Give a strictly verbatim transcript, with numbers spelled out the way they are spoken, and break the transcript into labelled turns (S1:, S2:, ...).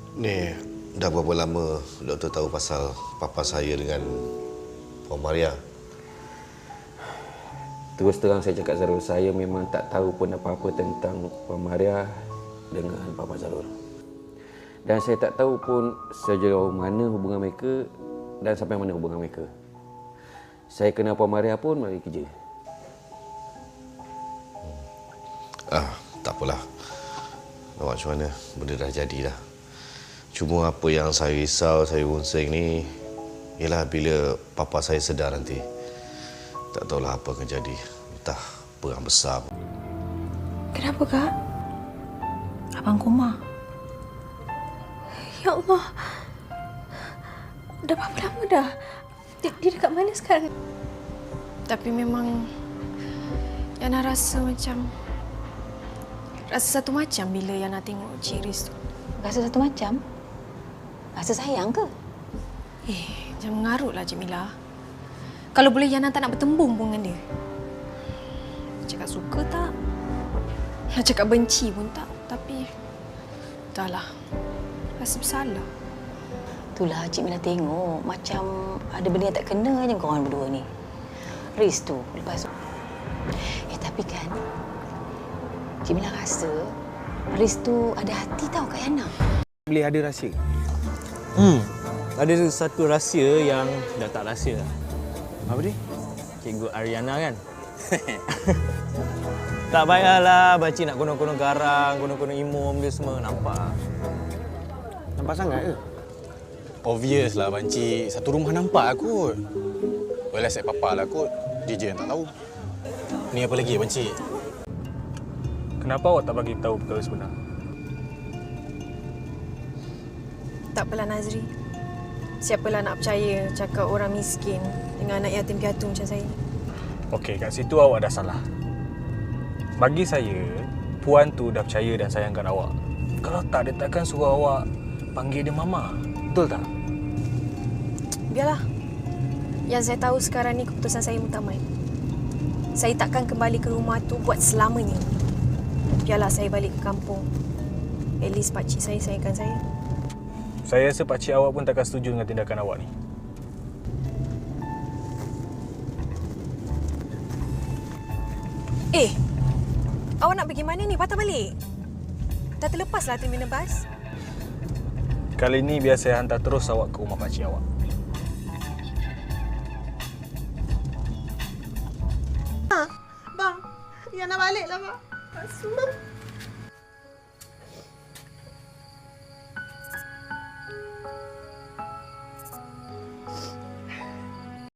S1: Ni, dah berapa lama doktor tahu pasal papa saya dengan Puan Maria?
S2: Terus terang saya cakap Zarul, saya memang tak tahu pun apa-apa tentang Puan Maria dengan Papa Zarul. Dan saya tak tahu pun sejauh mana hubungan mereka dan sampai mana hubungan mereka. Saya kenal Puan Maria pun melalui kerja.
S1: Ah, tak apalah. Nak macam mana, benda dah jadi dah. Cuma apa yang saya risau, saya runsing ni ialah bila papa saya sedar nanti. Tak tahulah apa akan jadi. Entah perang besar.
S3: Kenapa, Kak? Abang koma. Ya Allah. Dah berapa lama dah? Dia, dia dekat mana sekarang?
S4: Tapi memang Yana rasa macam Rasa satu macam bila Yana tengok Cik Riz tu.
S3: Rasa satu macam? Rasa sayang ke?
S4: Eh, jangan mengarutlah Cik Mila. Kalau boleh Yana tak nak bertembung pun dengan dia. Cakap suka tak? Nak cakap benci pun tak. Tapi, entahlah. Rasa bersalah.
S3: Itulah Cik Mila tengok. Macam ada benda yang tak kena je korang berdua ni. Riz tu, lepas tu. Eh, tapi kan, Cik Mila rasa Riz tu ada hati tau kat Yana.
S5: Boleh ada rahsia? Hmm, ada satu rahsia yang dah tak rahsia. Apa dia? Cikgu Ariana kan? Tak payahlah Pakcik nak konon-konon garang, konon-konon imum dia semua. Nampak?
S6: Nampak sangat ke?
S7: Obvious lah Pakcik. Satu rumah nampak kot. Well, asyik papa lah kot. Dia je yang tak tahu. Ni apa lagi Pakcik?
S6: Kenapa awak tak bagi tahu perkara sebenar?
S4: Tak apalah Nazri. Siapalah nak percaya cakap orang miskin dengan anak yatim piatu macam saya.
S6: Okey, kat situ awak dah salah. Bagi saya, Puan tu dah percaya dan sayangkan awak. Kalau tak, dia takkan suruh awak panggil dia Mama. Betul tak?
S4: Biarlah. Yang saya tahu sekarang ni keputusan saya mutamat. Saya takkan kembali ke rumah tu buat selamanya. Biarlah saya balik ke kampung. At least pakcik saya sayangkan saya.
S6: Saya rasa pakcik awak pun takkan setuju dengan tindakan awak ni.
S4: Eh, awak nak pergi mana ni? Patah balik. Dah terlepaslah terminal bas.
S6: Kali ni biar saya hantar terus awak ke rumah pakcik awak.
S8: Ha, bang, Yana balik lah, bang. Asma.